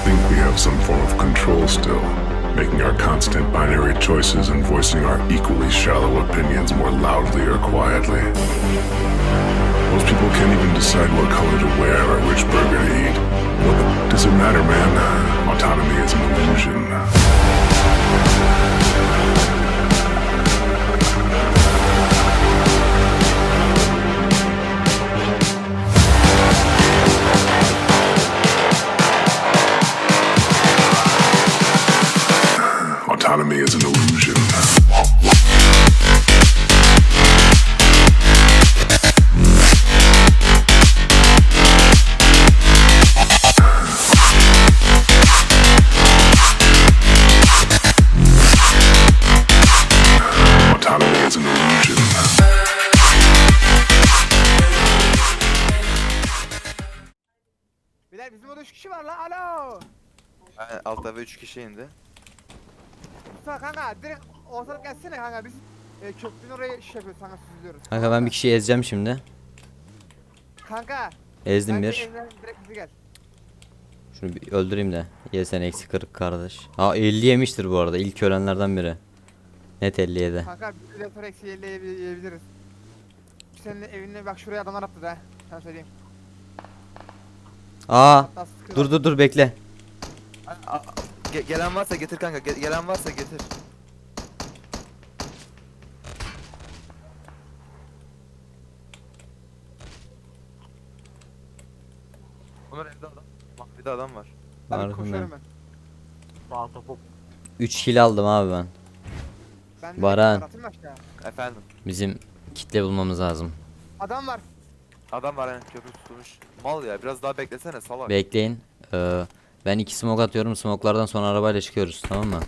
think we have some form of control still, making our constant binary choices and voicing our equally shallow opinions more loudly or quietly. Most people can't even decide what color to wear or which burger to eat. What does it matter, man? Autonomy is an illusion. Autonomy is an illusion. Autonomy is an illusion. Beyler bizim orada 3 kişi var lan. Alo. Yani altta ve 3 kişi indi. Mustafa kanka direkt ortalık gelsene kanka biz köprünün oraya şey yapıyoruz kanka süzülüyoruz. Kanka ben bir kişiyi ezeceğim şimdi. Kanka. Ezdim bence bir. evden direkt bizi gel. Şunu bir öldüreyim de. Ye sen eksi 40 kardeş. Aa 50 yemiştir bu arada. İlk ölenlerden biri. Net 57. Kanka bir de sonra eksi 50 yiyebiliriz. Senin evine bak şuraya adamlar attı da. Sen söyleyeyim. Aa Hatta sıkıyorlar. dur bekle. Gelen varsa getir kanka. Gelen varsa getir. Bunlar evde adam. Mahvide adam var. Hadi Harbi koşuyorum mi? ben. Sağ topu 3 kill aldım abi ben. Ben de Baran. atayım mı aşağı? Efendim. Bizim kitle bulmamız lazım. Adam var. Adam var yani köprü tutulmuş. Mal ya biraz daha beklesene salak. Bekleyin. Ben 2 smoke atıyorum. Smoke'lardan sonra arabayla çıkıyoruz, tamam mı?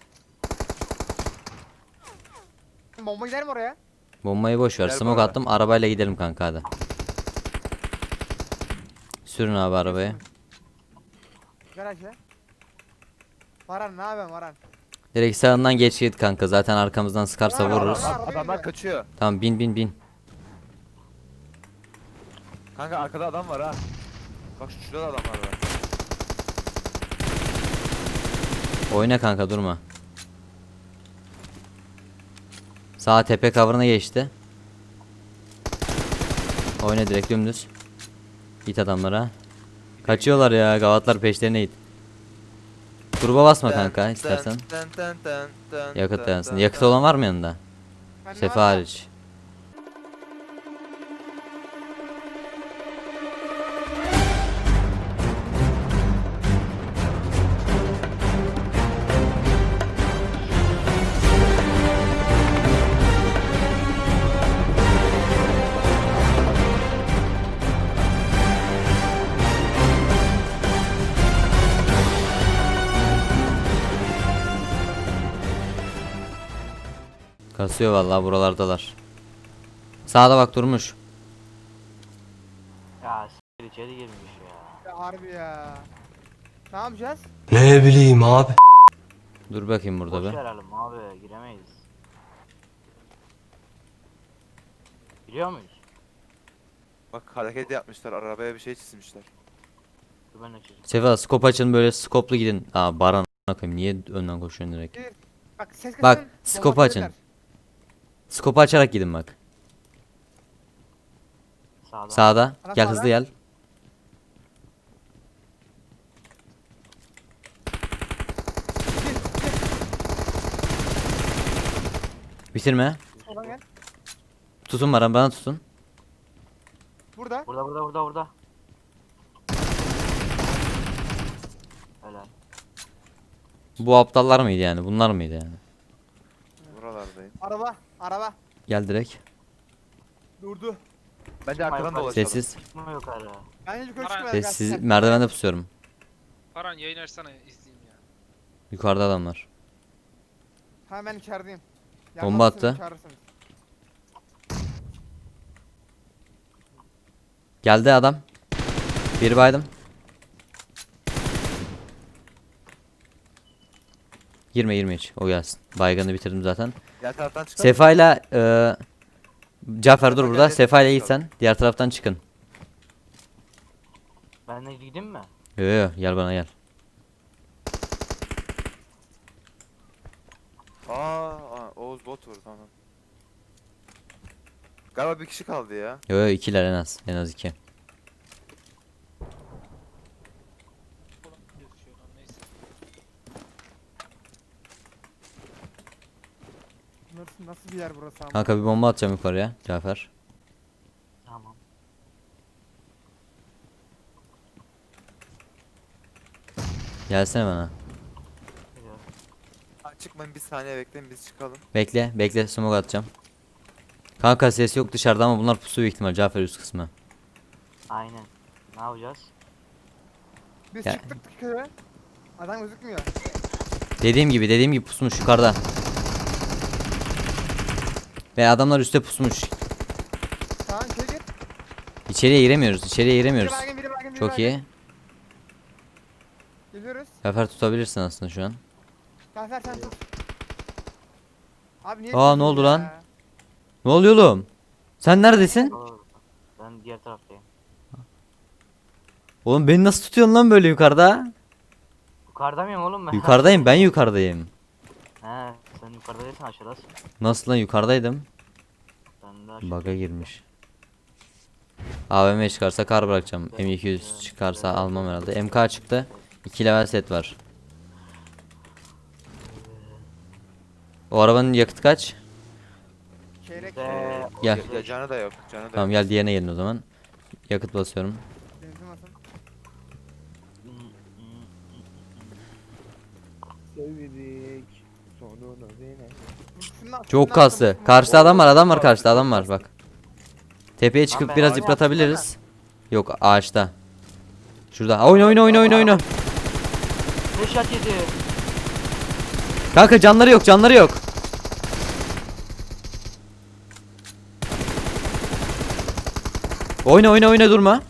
Bomba gider mi oraya? Bombayı boş ver. Gel Smoke bana. attım. Arabayla gidelim kanka hadi. Sürün abi arabayı. Garaja. Varan ne yapıyorsun Varan? Direkt sağından geç git kanka. Zaten arkamızdan sıkarsa Var, vururuz. var. Adamlar kaçıyor. Tamam bin. Kanka arkada adam var ha. Bak şurada adamlar var. Oyna kanka durma. Sağ tepe cover'ına geçti. Oyna direkt dümdüz. Git adamlara. Kaçıyorlar ya, gavatlar peşlerine git. Gruba basma kanka istersen. Yakıt dayansın. Yakıt olan var mı yanında? Bende Sefa var da. hariç. Kasıyor vallahi, buralardalar. Sağda bak durmuş. ya s*** içeri girmiş ya. Ya harbi ya. Ne yapacağız? Ne bileyim abi. Dur bakayım burada Boş be. verelim abi giremeyiz. Giriyor muyuz? Bak hareket yapmışlar arabaya bir şey çizmişler. Dur ben açacağım. Sefa skop açın, böyle skoplu gidin. Aa Baran a**ına koyayım, niye önden koşuyorsun direkt? Bak ses Bak, kısın, skopu bomba açın. atabilirler. Skopu açarak gidin bak. Sağda. Sağda. Ana Gel sağda. hızlı gel. Bitirme. Oradan gel. Tutun Baran, bana tutun. Burada. Burada. Helal. Bu aptallar mıydı yani? Bunlar mıydı yani? Buralardayım. Araba. Gel direkt. Durdu. Bence arkadan dolaşalım. Sessiz. Çıkma yukarı. Bence yukarı Baran. çıkmayalım. Sessiz. gel. Merdivende pusuyorum. Baran yayın açsana izleyeyim ya. Yukarıda adamlar. Tamam ben içerideyim. Bomba Yanmazsınız, attı. çağırırsınız. Geldi adam. Bir baydım. Girme hiç. O gelsin. Baygını bitirdim zaten. Diğer taraftan çıkalım. Sefa'yla Cafer dur Sefa burada. geldi. Sefa'yla git sen. Diğer taraftan çıkın. Ben de gideyim mi? Yo gel bana gel. bot vurdu tamam. Galiba bir kişi kaldı ya. Yo yo, ikiler en az. En az 2. Ulan gözüküyor lan, neyse. Nasıl bir yer burası ama? Kanka bir bomba atacağım yukarıya Cafer. Tamam. Gelsene bana. Geliyorum. Ha, çıkmayın bir saniye bekleyin biz çıkalım. Bekle bekle, smoke atacağım. Kanka ses yok dışarıda ama bunlar pusu büyük ihtimal, Cafer üst kısmı. Aynen. Ne yapacağız? Biz Ya- çıktık köye. Adam gözükmüyor. Dediğim gibi pusmuş yukarıda. Ve adamlar üstte pusmuş. Tamam köye git. İçeriye giremiyoruz. Biri baygın, biri baygın, biri Çok baygın. iyi. Geliyoruz. Cafer tutabilirsin aslında şu an. Cafer sen tut. Abi niye Aa, ne tutuyorsun oldu ya? lan? Ne oluyor oğlum? Sen neredesin? Doğru. Ben diğer taraftayım. Oğlum beni nasıl tutuyorsun lan böyle yukarıda? Yukarıda mıyım oğlum ben? Yukarıdayım, ben yukarıdayım. He, sen yukarıda değilsin, aşağıdasın. Nasıl lan, yukarıdaydım? Ben de aşağıda. Bug'a girmiş. AVM çıkarsa kar bırakacağım. M200 çıkarsa almam herhalde. MK çıktı. 2 level set var. O arabanın yakıtı kaç? Çeyrek Ve Gel. Ya canı da yok. Canı da Tamam yok. gel diğerine gelin o zaman. Yakıt basıyorum. benzin olsun. Çok kaslı. Karşıda adam var karşıda adam var bak. Tepeye çıkıp ben biraz oyunu yıpratabiliriz. Yok ağaçta. Şurada. Oyna. Reşat yedi. Kanka canları yok. Oyna durma.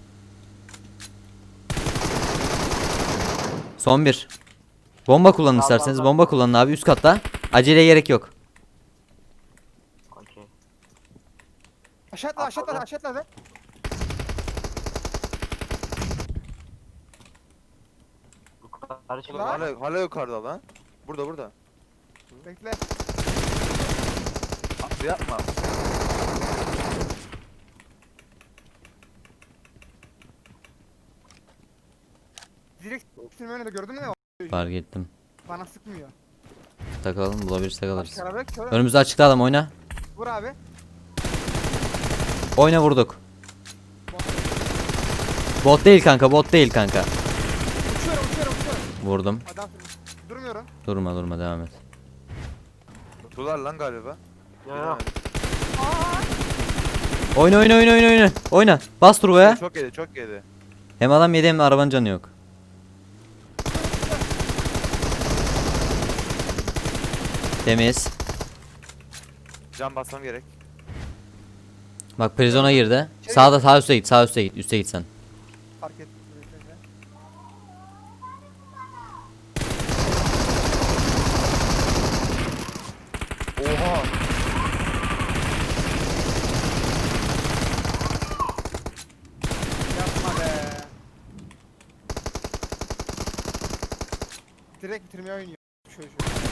Son bir. Bomba kullanın isterseniz. Bomba kullanın abi üst katta. Aceleye gerek yok. Okey. Aşağı atla. Yukarı çık. Oğlum hala yukarıda lan. Burada. Bekle. Abi yapma. Direkt üstüme önünde gördün mü? Fark ettim. Bana sıkmıyor. Takalım, bulabilirsek alırız. Başka araba yok ki oğlum. Önümüzde açıkta adam, oyna. Vur abi. Oyna, vurduk. Bot değil kanka. Uçuyorum. Vurdum. Adam durmuyorum. Durma devam et. Tutular lan galiba. Yo. Oyna. Oyna. Bas turboya. Çok yedi. Hem adam yedi hem de arabanın canı yok. Temiz. Can basmam gerek. Bak prizona girdi. Sağ üstte git. Üste git sen. Fark ettim. Oha. Yapma be. Direkt bitirmeye oynuyor. Şöyle.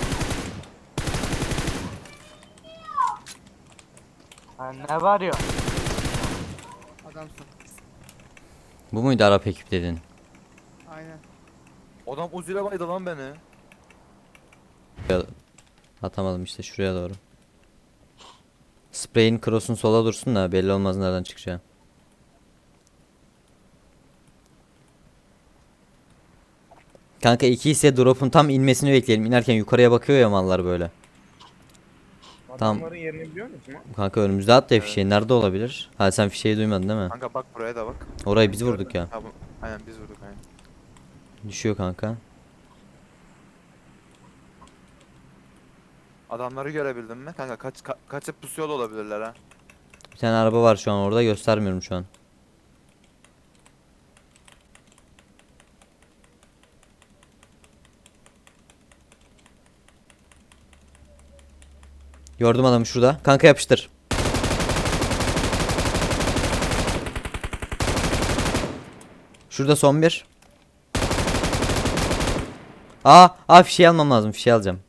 Ha, ne var ya? Adamsın. Bu muydu Arap ekip dedin? Aynen. Adam Uzi'yle baydı lan beni. Atamadım işte şuraya doğru. Spray'in cross'un sola dursun da belli olmaz nereden çıkacağı. Kanka 2 ise drop'un tam inmesini bekleyelim. İnerken yukarıya bakıyor ya mallar böyle. Tamam. Adamların yerini biliyor musun? Kanka önümüzde at da fişeği nerede olabilir? Ha sen fişeği duymadın değil mi? Kanka bak buraya da bak. Orayı biz vurduk ya. Ha, aynen biz vurduk aynen. Düşüyor kanka. Adamları görebildin mi? Kanka kaçıp pusuyor da olabilirler ha. Bir tane araba var şu an orada, göstermiyorum şu an. Gördüm adamı şurada. Kanka yapıştır. Şurada son bir. Fişeği almam lazım. Fişeği alacağım.